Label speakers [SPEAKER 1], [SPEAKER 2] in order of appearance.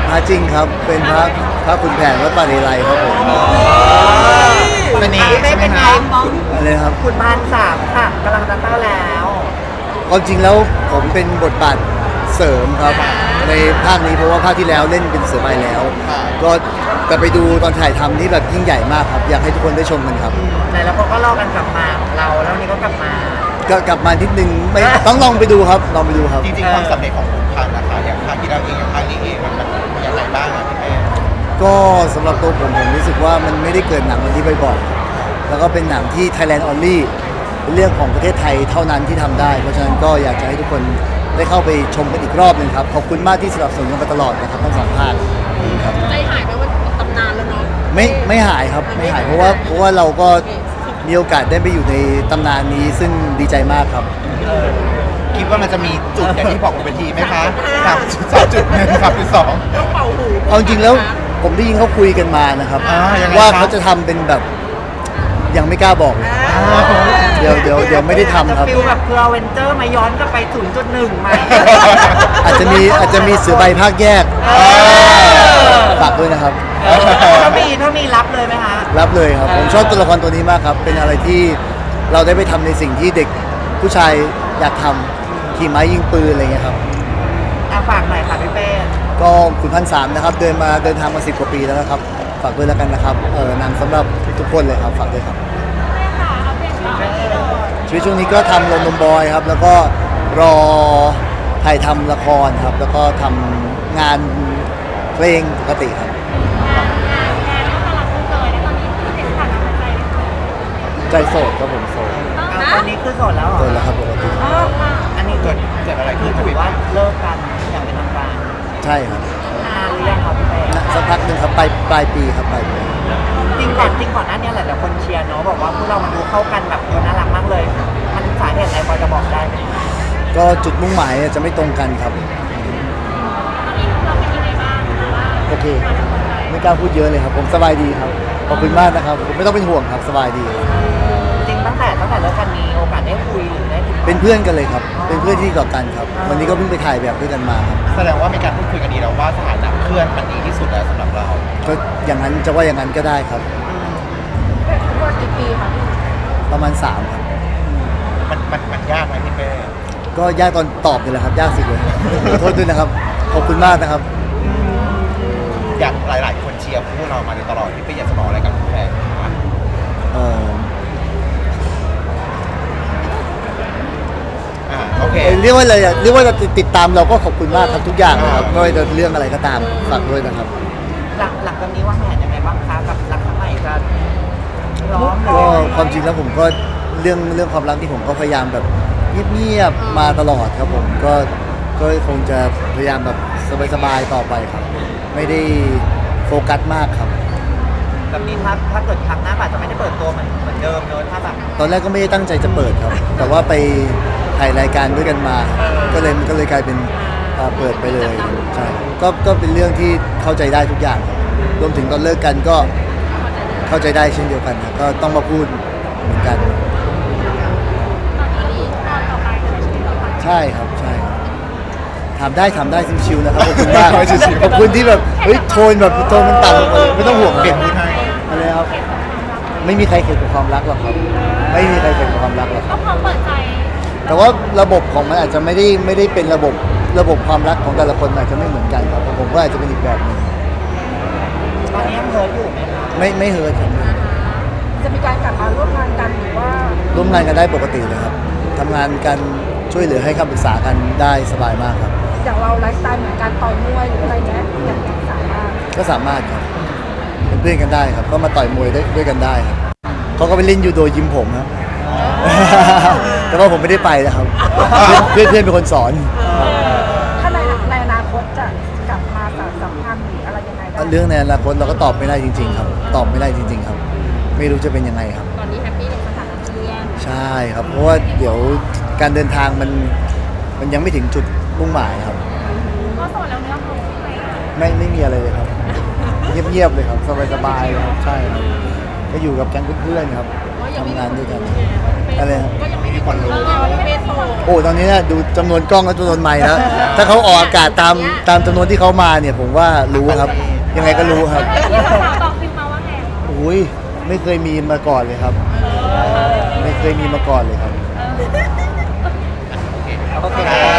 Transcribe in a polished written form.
[SPEAKER 1] พระจริงครับเป็นพระขุนแผนวัดป่าเลไลครับผม
[SPEAKER 2] วันนี้
[SPEAKER 3] ไม่
[SPEAKER 2] ใช่ไหม
[SPEAKER 3] เป็นไง
[SPEAKER 2] คะ
[SPEAKER 3] มอง
[SPEAKER 1] อะไรครับ
[SPEAKER 3] ขุนพานสามค่ะกำลังจะเข้าแล้ว
[SPEAKER 1] ความจริงแล้วผมเป็นบทบาทเสริมครับในภาคนี้เพราะว่าภาคที่แล้วเล่นเป็นเสือใบแล้ว ก็แต่ไปดูตอนถ่ายทำนี่แบบยิ่งใหญ่มากครับอยากให้ทุกคนได้ชมกันครับ
[SPEAKER 3] แต่แล้วเขาก็รอกันกลับมาของเราแล้ววันนี้ก็กลับมา
[SPEAKER 1] ก็กลับมานิดนึงไม่ต้องลองไปดูครับลองไปดูครับ
[SPEAKER 2] จริงๆความสำเร็จของขุนพันธ์นะคะอย่างภาคที่เราเองกับภาคนี้เองมันยังไงบ้างอะพี่เป้
[SPEAKER 1] ก็สำหรับตัวผมรู้สึกว่ามันไม่ได้เกิดหนังวันนี้บ่อยๆแล้วก็เป็นหนังที่ Thailand Only เป็นเรื่องของประเทศไทยเท่านั้นที่ทำได้ เพราะฉะนั้นก็อยากจะให้ทุกคนได้เข้าไปชมกันอีกรอบหนึงครับขอบคุณมากที่สนับสนุนกันมาตลอดนะครับทั้งสองภาคครับ
[SPEAKER 4] ใจหายไปว่าตำนานแล้วเนาะ
[SPEAKER 1] ไม่หายครับไม่หายเพราะว่าเราก็มีโอกาสได้ไปอยู่ในตำนานนี้ซึ่งดีใจมากครับ
[SPEAKER 2] คิดว่ามันจะมีจุดอย่างที่บอกบนเวทีไหมคะ3.1 3.2
[SPEAKER 4] ต้องเป่าหู
[SPEAKER 1] เอาจริงแล้วผมได้ยินเขาคุยกันมานะครับ
[SPEAKER 2] ยังไง
[SPEAKER 1] ว่า
[SPEAKER 2] ครับ
[SPEAKER 1] เขาจะทำเป็นแบบยังไม่กล้าบอกเลยเดี๋ยวไม่ได้ทำครับ
[SPEAKER 3] ฟิลแบบเพื่อเวนเจอร์มาย้อนกลับไป 0.1 ใหม่
[SPEAKER 1] อาจจะมีเสือใบภาคแยกฝากด้วยนะครับ
[SPEAKER 3] ถ้ามีรับเลยไหมคะ
[SPEAKER 1] รับเลยครับผมชอบตัวละครตัวนี้มากครับ เป็นอะไรที่เราได้ไปทำในสิ่งที่เด็กผู้ชายอยากทำขี่ม้ายิงปืนอะไรเงี้ยครับ
[SPEAKER 3] ฝากหน่อยค่ะพี่เป้
[SPEAKER 1] ก็คุณพันสามนะครับเดินทางมา10 กว่าปีแล้วนะครับฝากด้วยแล้วกันนะครับหนังสำหรับทุกคนเลยครับฝากด้วยครับชีวิตช่วงนี้ก็ทำลมนมบอยครับ แล้วก็รอถ่ายทำละครครับ แล้วก็ทำงานเพลงปกติครับใจโสดครับผมโสด
[SPEAKER 3] ตอนนี้คือโสดแล้วเหรอ
[SPEAKER 1] โสดแล้วครับปกติ
[SPEAKER 3] อันนี้
[SPEAKER 2] เกิดอะไร
[SPEAKER 3] คื
[SPEAKER 2] ขึ้
[SPEAKER 3] อน ถือว่าเลิกกันอย่างเป็นทางการ
[SPEAKER 1] ใช่ครับ
[SPEAKER 3] นานหรือยังครับพี่เป้
[SPEAKER 1] สักพักหนึ่งครับปลายปีครับปลายปี
[SPEAKER 3] จริงก่อนหน้านี้แหละแต่คนเชียร์เนาะบอกว่าพวกเรามันดูเข้ากันแบบน่ารักมากเลย มันสาเหตุอะไรพอจะบอกได้ไหม
[SPEAKER 1] ก็จุดมุ่งหมายจะไม่ตรงกันครับโอเคไม่กล้าพูดเยอะเลยครับผมสบายดีครับขอบคุณมากนะครับไม่ต้องเป็นห่วงครับสบายดี
[SPEAKER 3] จริงตั้งแต่เลิกกันมีโอกาสได้คุยหรือได้ติดต่อ
[SPEAKER 1] เป็นเพื่อนกันเลยครับ เป็นเพื่อนที่ต่อกันครับ วันนี้ก็เพิ่งไปถ่ายแบบด้วยกันมาครับ
[SPEAKER 2] แสดงว่ามีการพูดคุยกันดีแล้วว่าสถานะเพื่อนมันดีที่สุดแล้วสำหรับเรา
[SPEAKER 1] ก็อย่างนั้นจะว่าอย่างนั้นก็ได้ครับ
[SPEAKER 4] ว่ากี่ปีคะพี่
[SPEAKER 1] ประมาณ3ครับ
[SPEAKER 2] มันยากไหมพี่เป้
[SPEAKER 1] ก็ยากตอนตอบนี่แหละครับ ยากสุดเลยขอโทษด้วยนะครับ ขอบคุณมากนะครับ
[SPEAKER 2] อยากหลายๆคนเชียร์พวกเรามาโดยตลอดพี่เป้อยากจะบอกอะไรกับแฟนบ้าง
[SPEAKER 1] เอ่อ
[SPEAKER 2] โอเค
[SPEAKER 1] เรียกว่าอะไรอะเรียกว่าจะติดตามเราก็ขอบคุณมากครับทุกอย่างนะครับไม่ว่าจะเรื่องอะไรก็ตามฝากด้วยนะครับ
[SPEAKER 3] หลังจากนี้วางแผนยังไงบ้างคะกับรักครั้งใหม่จะพร้อมหรือ
[SPEAKER 1] ก็
[SPEAKER 3] ยังไง
[SPEAKER 1] ความจริงแล้วผมก็เรื่องความรักที่ผมก็พยายามแบบเงียบๆมาตลอดครับผมก็คงจะพยายามแบบสบายๆต่อไปครับ ไม่ได้โฟกัสมากครับ
[SPEAKER 3] แบบนี้ถ้าเกิดครั้งหน้าอาจจะไม่ได้เปิดตัวเหมือนเดิมเนอะถ้าแบบ
[SPEAKER 1] ตอนแรกก็ไม่ได้ตั้งใจจะเปิดครับ แต่ว่าไปถ่ายรายการด้วยกันมา ก็เลยกลายเป็นเปิดไปเลยใช่ก็เป็นเรื่องที่เข้าใจได้ทุกอย่างครับรวมถึงตอนเลิกกันก็เข้าใจได้เช่นเดียวกันครับก็ต้องมาพูดเหมือนกัน ใช่ครับใช่ครับถามได้ชิวๆนะครับขอบคุณมากขอบคุณที่แบบเฮ้ยโทนแบบโทนมันต่ำไม่ต้องห่วง
[SPEAKER 2] เปลี่ยนพูดให้
[SPEAKER 1] อะไรครับไม่มีใครเข็ดกับความรักหรอกครับ ไม่มีใครเข็ดกับความรักหรอกครับ
[SPEAKER 4] ก็พร้อมเปิดใจ
[SPEAKER 1] แต่ว่าระบบของมันอาจจะไม่ได้เป็นระบบความรักของแต่ละคนอาจจะไม่เหมือนกันครับผมก็อาจจะเป็นอีกแบบหนึง
[SPEAKER 3] ตอนนี้ยังเฮิร์ตอยู่ไหมคะ
[SPEAKER 1] ไม่เฮิร์ตครับ
[SPEAKER 4] จะมีการกลับมาร่วมงานกันหรือว่า
[SPEAKER 1] ร่วมงานกันได้ปกติเลยครับทำงานกันช่วยเหลือให้คำปรึกษากันได้สบายมากครับ
[SPEAKER 4] อย่างเราไลฟ์สไตล์เหมือนการต่อยมวยหรืออะไรเงี้ยอย่างสามารถ
[SPEAKER 1] ก็สามารถครับเป็นเพื่อนกันได้ครับก็มาต่อยมวยได้ด้วยกันได้ครับเขาก็ไปเล่นยูโดยิมผมครับ แต่ว่าผมไม่ได้ไปนะครับเพื่อนเป็นคนสอน
[SPEAKER 4] ถ้าในอนาคตจะกลับมาสานสัมพันธ์หรืออะไรยังไงได้
[SPEAKER 1] เรื่องในอนาคตเราก็ตอบไม่ได้จริง ๆ ครับ ตอบไม่ได้จริง ๆ ครับ ไม่รู้จะเป็นยังไงครับ
[SPEAKER 4] ตอนนี้แฮปปี้ในสถานะเพื่อน
[SPEAKER 1] ใช่ครับ เพราะว่าเดี๋ยวการเดินทางมันยังไม่ถึงจุดมุ่งหมายครับ
[SPEAKER 4] ก็โสดแล้วเนื้อคู่ไหม
[SPEAKER 1] ไม่มีอะไรเลยครับ เงียบๆเลยครับสบายๆเลยครับใช่ครับก็อยู่กับแก๊งเพื่อนๆครับทำงานด้วยกัน
[SPEAKER 4] ไป
[SPEAKER 1] อะไรครับ
[SPEAKER 4] ก็ยังไม่มีคนรู้พี่เบสโซ
[SPEAKER 1] โอ้ตอนนี้นะดูจำนวนกล้องและจำนวนไมค์แล้วถ้าเขาออกอากาศตามจำนวนที่เขามาเนี่ยผมว่ารู้ครับ ยังไงก็รู้ครับ
[SPEAKER 4] ตองพิมมาว่าไง
[SPEAKER 1] อุ้ยไม่เคยมีมาก่อนเลยครับ ไม่เคยมีมาก่อนเลยครับ
[SPEAKER 3] โอเค